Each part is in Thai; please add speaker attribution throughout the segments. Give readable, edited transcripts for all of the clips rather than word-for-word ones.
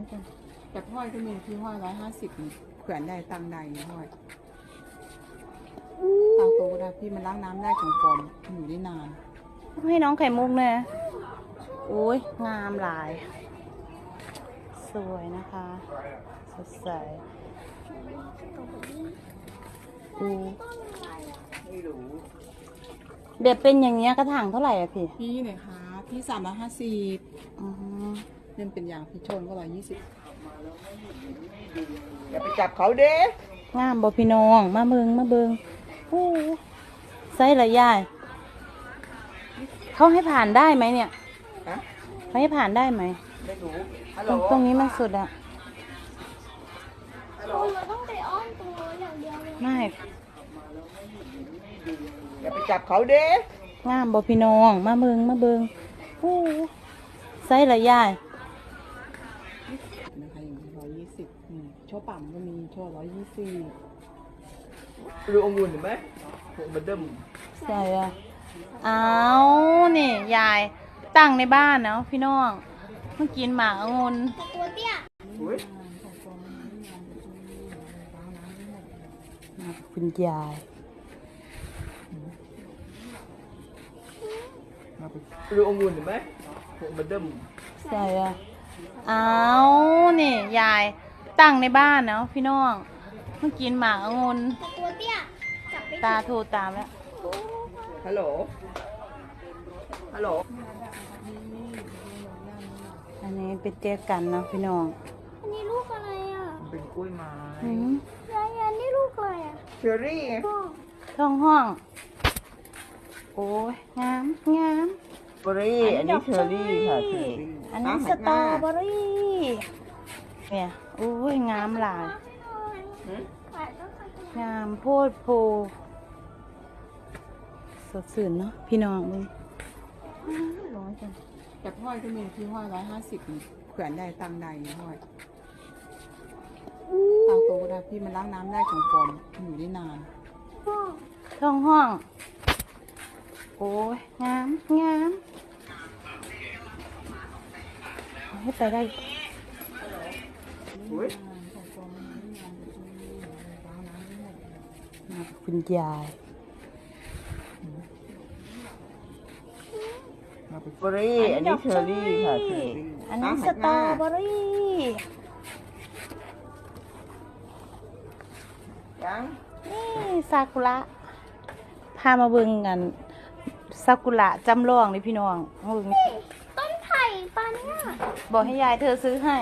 Speaker 1: จังแต่ห้อยก็มีที่ห้อย150แขวนได้ตังใดห้อยตามตัวก็ได้พี่มันล้างน้ำได้ของปลอมอยู่ได้นาน
Speaker 2: ให้น้องไข่มุกเนี่ยโอ้ยงามหลายสวยนะคะสดใสเด็ดเป็นอย่างเงี้ยกระถางเท่าไหร่อะพี่
Speaker 1: พี่เนี่ยคะพี่350เล่นเป็นอย่างพี่ชนก็120อย่าไปจับเขาเด้
Speaker 2: งามบ่พี่น้องมาเบิงโอ้ไซส์ละยายเขาให้ผ่านได้ไหมเนี่ยเขาให้ผ่านได้ไหม
Speaker 1: ไม่รู้
Speaker 2: ตรงนี้มันสุดอะ
Speaker 3: เราต้องไปอ้อมตรงนู้นอย่างเดียวเลย
Speaker 2: ไม่
Speaker 1: อย่าไปจับเขาเด้
Speaker 2: งามบ่พี่น้องมาเบิงโอ้ไซส์ละยาย
Speaker 1: นะคะอย่าง120โชว์ปั่มก็มีโชว์120ดูองุ่นเห็นไหมผมมันเดิม
Speaker 2: ใส่อะเอานี่ยายตั้งในบ้านเนาะพี่น้องเมื่อกินหมากองุ่น
Speaker 3: ตัวเตี้ย
Speaker 2: คุณยาย
Speaker 1: ดูองุ่นเห็นไหมผมมันเดิม
Speaker 2: ใส่อะเอานี่ยายตั้งในบ้านเนาะพี่น้องเมื่อกินหมากองุ่น
Speaker 3: ตัวเตี้ยจับไป
Speaker 2: ตาโทรตามแล้ว
Speaker 1: ฮัลโหล
Speaker 2: อันนี้เป็นเจ๊กันเนาะพี่น้อง
Speaker 3: อันนี้ลูกอะไรอ่ะ
Speaker 1: เป็นกล้วยไม้
Speaker 3: ยายอันนี้ลูกอะไรอ่ะ
Speaker 1: เชอรี่
Speaker 2: ท้องห้องโอ้ยงาม
Speaker 1: เบอรี่อันนี้เชอรี่ค่ะเชอรี่
Speaker 2: อันนี้สตรอเบอรี่เนี่ยโอ้ยงามหลายงามโพดโพสดชื่นเนาะพี่น้องมึงร้อยจัง
Speaker 1: แต่ห้อยก็มีที่ห้อย150แขวนได้ตังใดห้อยตามตัวก็ได้พี่มันล้างน้ำได้ของปลอมอยู่ได้นาน
Speaker 2: ท้องห้องโอ้ยงามให้ไปได้คุณยาย
Speaker 1: เบอรี่อันนี้เชอรี่ค่ะเชอรี่
Speaker 2: อันนี้สตรอเบอรี่
Speaker 1: ยัง
Speaker 2: นี่ซากุระพามาเบิ่งกันซากุระจำลองนี่พี่น้องเบิ่ง
Speaker 3: ต้นไผ่ปาเนี่ย
Speaker 2: บอกให้ยายเธอซื้อให้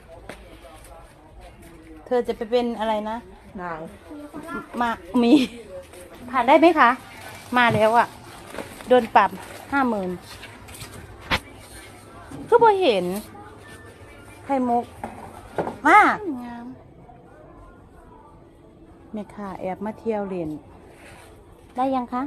Speaker 2: เธอจะไปเป็นอะไรนะ
Speaker 1: นาง
Speaker 2: มามีผ่านได้ไหมคะมาแล้วอ่ะโดนปรับ50,000ก็พอเห็นไข่มุกมากงามแม่ค่ะแอบมาเที่ยวเล่นได้ยังคะ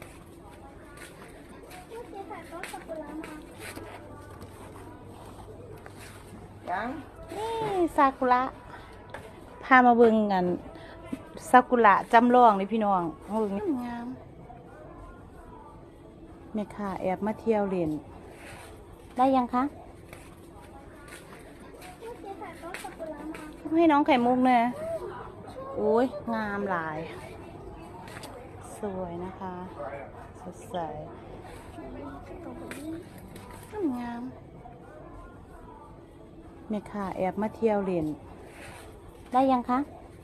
Speaker 1: ยัง
Speaker 2: นี่ซากุระพามาเบิ่งกันซากุระจำลองนี่พี่น้องเบิ่งงามแม่ค่ะแอบมาเที่ยวเล่นได้ยังคะให้น้องไข่มุกเนี่ยโอ้ยงามหลายสวยนะคะสดใสงามแม่ค่ะแอบมาเที่ยวเล่นได้ยังคะ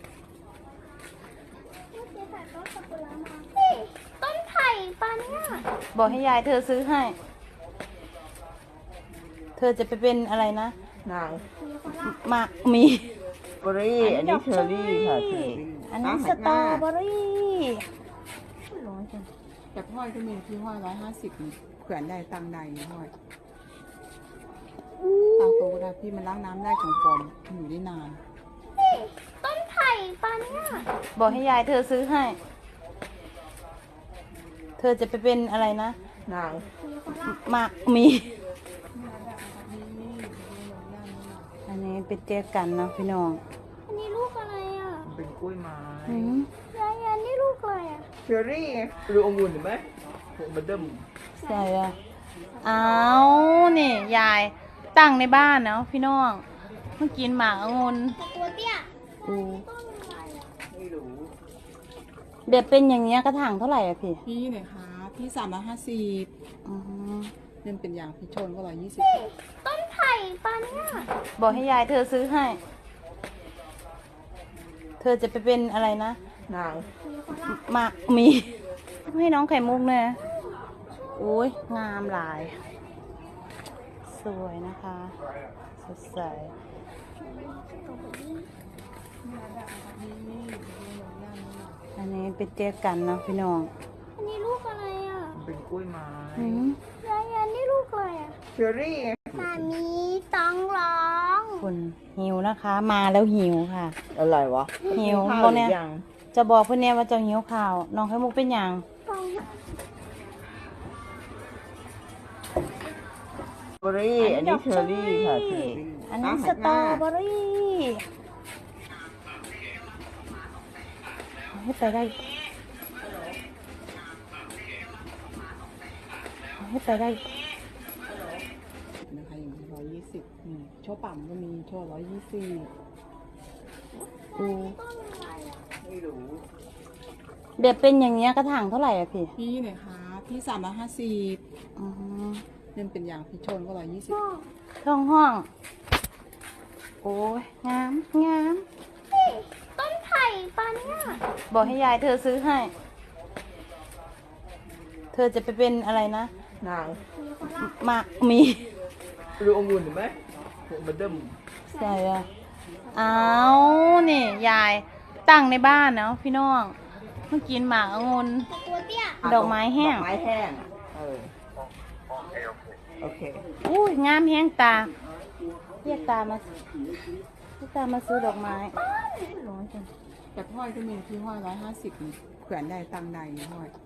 Speaker 3: ต้นไผ่ปาเนี่ย
Speaker 2: บอกให้ยายเธอซื้อให้เธอจะไปเป็นอะไรนะ
Speaker 1: นาง
Speaker 2: มามี
Speaker 1: เบอรี่อันนี้เชอรี่ค่ะเชอรี่
Speaker 2: อันนี้สตรอเบอรี่ร้อยจัง
Speaker 1: แต่ห้อยก็มีที่ห้อย150แขวนได้ตังใดห้อยตามตัวก็ได้พี่มันล้างน้ำได้ของปลอมอยู่ได้นาน
Speaker 3: ต้นไผ่ปาเนี่ย
Speaker 2: บอกให้ยายเธอซื้อให้เธอจะไปเป็นอะไรนะ
Speaker 1: นาง
Speaker 2: มามีอันนี้เป็นเจ๊กันเนาะพี่น้อง
Speaker 3: อันนี้ลูกอะไรอ่ะ
Speaker 1: เป็นกล้วยไม้
Speaker 3: ยายอันนี้ลูกอะไรอ่ะ
Speaker 1: เชอรี่ดูองุ่นเห็นไหมผมมันเดิม
Speaker 2: ใส่อะเอานี่ยายตั้งในบ้านเนาะพี่น้องเมื่อกินหมากองุ่น
Speaker 3: แต่ตัวเตี้ย
Speaker 2: อู้
Speaker 3: ต้นอะไรอ่ะ
Speaker 1: ไม่รู้
Speaker 2: แบบเป็นอย่างเงี้ยกระถางเท่าไหร่อะพี่
Speaker 1: พี่เนี่ยคะพี่350
Speaker 2: อ๋อ
Speaker 1: เล่นเป็นอย่างพี่ชนก็120
Speaker 3: นี่ต้นไผ่ปะเนี่ย
Speaker 2: บอกให้ยายเธอซื้อให้ เธอจะไปเป็นอะไรนะ
Speaker 1: นาง
Speaker 2: หมากมีให้น้องไข่มุกเนี่ยโอ้ยงามหลาย สวยนะคะ สดใส อันนี้เป็นเจ๊กันเนาะพี่น้อง
Speaker 3: อันนี้ลูกอะไรอ่ะ
Speaker 1: เป็นกล้วยไม้
Speaker 2: อืม
Speaker 3: ยายอันนี้ลูกอะไรอ่ะ
Speaker 1: เชอรี่
Speaker 3: มามีต้องร้อง
Speaker 2: คุณหิวนะคะ มาแล้วหิวค่ะ
Speaker 1: อะไรวะ
Speaker 2: หิว
Speaker 1: ข้า
Speaker 2: พว
Speaker 1: ว
Speaker 2: ก
Speaker 1: หรื
Speaker 2: เนี้ย
Speaker 1: อยัง
Speaker 2: จะบอกเพื่อนเนี่ยว่าจะหิวข่าว น้องไข่มุกเป็นอย่าง
Speaker 3: ต้อง
Speaker 1: เบอรี่อันนี้เชอรี่ค่ะเชอรี่
Speaker 2: อันนี้สตรอเบอรี่ให้ไปได้ให้ไปได้
Speaker 1: นะคะอย่าง120นี่โชว์ปั่มก็มีโชว์120
Speaker 2: อู
Speaker 3: ต้นอะไรอ่ะ
Speaker 1: ไม่รู้
Speaker 2: แบบเป็นอย่างเงี้ยกระถางเท่าไหร่อะพี่
Speaker 1: พี่เนี่ยคะพี่350
Speaker 2: อ๋อ
Speaker 1: เล่นเป็นอย่างพี่ชนก็120
Speaker 3: พ่อ
Speaker 2: ท้องห้อง โอ้ยงามงาม
Speaker 3: นี่ต้นไผ่ปะเนี่ย
Speaker 2: บอกให้ยายเธอซื้อให้ เธอจะไปเป็นอะไรนะ
Speaker 1: นาง
Speaker 2: หมากมี
Speaker 1: ดูองุ่นเห็นไหมมันเดิม
Speaker 2: ใส่อะเอานี่ยายตั้งในบ้านเนาะพี่น้องเมื่อกินหมากองุ่น
Speaker 3: แต่ตัวเตี้ย
Speaker 2: ดอกไม้แห้ง
Speaker 1: ดอกไม้แห้งโอเค
Speaker 2: อุ้ยงามแห้งตาเรียกตามาเรียกตามาซื้อดอกไม้ร้อยจัง
Speaker 1: แต่ห้อยก็มีที่ห้อย150นี่แขวนได้ตังใดห้อย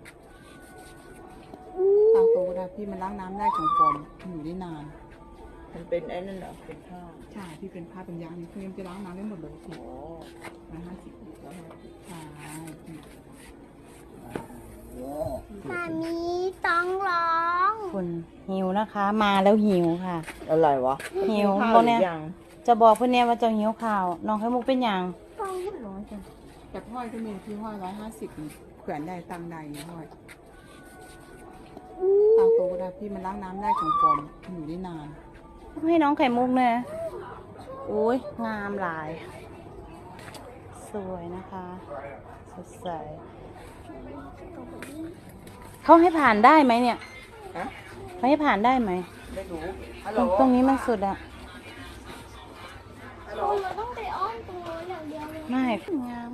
Speaker 1: ตังโตก็ได้พี่มันล้างน้ำได้ของปลอมอยู่ได้นาน
Speaker 4: มันเป็นไอ้นั่นเหรอ เป็นผ้า
Speaker 1: ใช่ที่เป็นผ้าเป็นยางนี่คือมันจะล้างน้ำได้หมดเลยพี่
Speaker 4: อ๋อ
Speaker 1: 150ใช่
Speaker 3: มามีต้องร้อง
Speaker 2: คุณหิวนะคะ มาแล้วหิวค่ะ
Speaker 4: อะไรวะ
Speaker 2: หิว
Speaker 4: ข้า
Speaker 2: พวกเนี้ย
Speaker 4: หรือยัง
Speaker 2: จะบอกเพื่อนเนี่ยว่าจะหิวข่าว น้องไข่มุกเป็นอย่าง
Speaker 3: ต้อง
Speaker 2: ร้อยจัง
Speaker 1: แต่ห้อยก็มีที่ห้อย150นี่แขวนได้ตังใดห้อยตังโตก็ได้พี่มันล้างน้ำได้ของปลอมอยู่ได้นาน
Speaker 2: ให้น้องไข่มุกเนี่ยโอ้ยงามหลาย สวยนะคะ สดใส เขาให้ผ่านได้ไหมเนี่ย
Speaker 4: ฮะ
Speaker 2: เขาให้ผ่านได้ไหม
Speaker 4: ไม่รู้ ฮัล
Speaker 2: ต
Speaker 4: โหล
Speaker 2: รงนี้มันสุดอะ
Speaker 3: เราต้องไปอ้อมตรงโน้นอย่างเดียวเลย
Speaker 2: ไม่งาม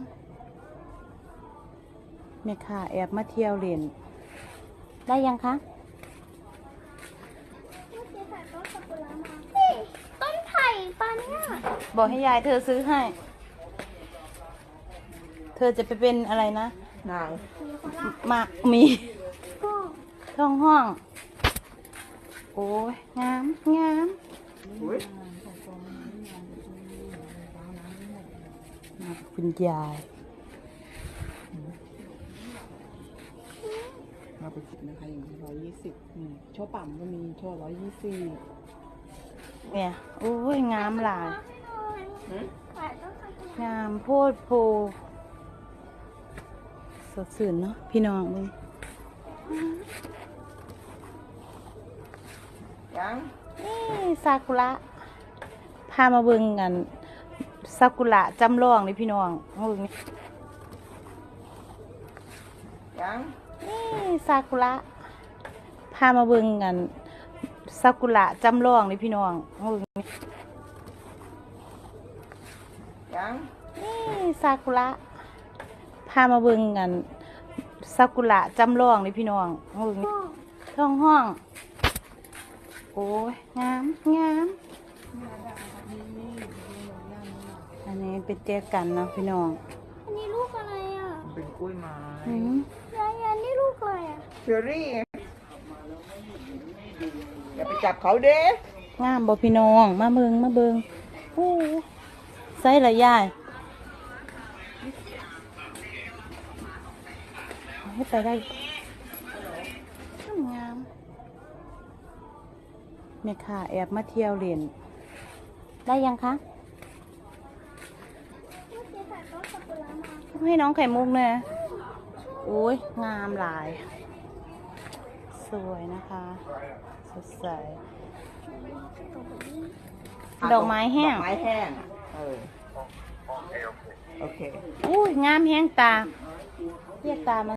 Speaker 2: เนี่ยค่ะ แอบมาเที่ยวเรียนได้ยังคะ
Speaker 3: เมื่อกี้ถ่ายต้นซากุระมานี่ต้นไผ่ปะเนี่ย
Speaker 2: บอกให้ยายเธอซื้อให้ เธอจะไปเป็นอะไรนะ
Speaker 4: นาง
Speaker 2: หมากมี
Speaker 3: พ่อ
Speaker 2: ท้องห้อง โอ้ยงามงาม
Speaker 4: อุ้ย
Speaker 2: คุณยาย
Speaker 1: เราไปคิดนะคะอย่าง120นี่โชว์ปั่มก็มีโชว์120
Speaker 2: เนี่ย โอ้ยงามหลาย
Speaker 3: ถ่ายต้นซากุระ
Speaker 2: งามโพดโพสดสื่นเนาะพี่น้องมึง
Speaker 4: ยัง
Speaker 2: นี่ซากุระพามาเบิ่งกันซากุระจำลองนี่พี่น้องมาเบิ่งนี่
Speaker 4: ยัง
Speaker 2: นี่ซากุระพามาเบิ่งกันซากุระจำลองนี่พี่น้องมาเบิ่งนี่
Speaker 4: ยัง
Speaker 2: นี่ซากุระพามาเบิ่งกันซากุระจำลองนี่พี่น้องมาเบิ่งนี่
Speaker 3: พ่อ
Speaker 2: ท้องห้อง โอ้ยงามงาม อันนี้เป็นเจ๊กันเนาะพี่น้อง
Speaker 3: อันนี้ลูกอะไรอ่ะ
Speaker 4: เป็นกล้วยไม้
Speaker 2: อืม
Speaker 3: ยายอันนี้ลูกอะไรอ่ะ
Speaker 4: เชอรี่ อย่าไปจับเขาเด้
Speaker 2: งามบ่พี่น้อง มาเบิงมาเบิงโอ้ใส่ละยายให้ไปได้งามเนี่ยค่ะ แอบมาเที่ยวเรียนได้ยังคะให้น้องไข่มุกเนี่ยโอ้ยงามหลาย สวยนะคะสดใสดอกไม้แห้ง
Speaker 4: ดอกไม้แห้งอะโอเค
Speaker 2: อุ้ยงามแห้งตาเรียกตามา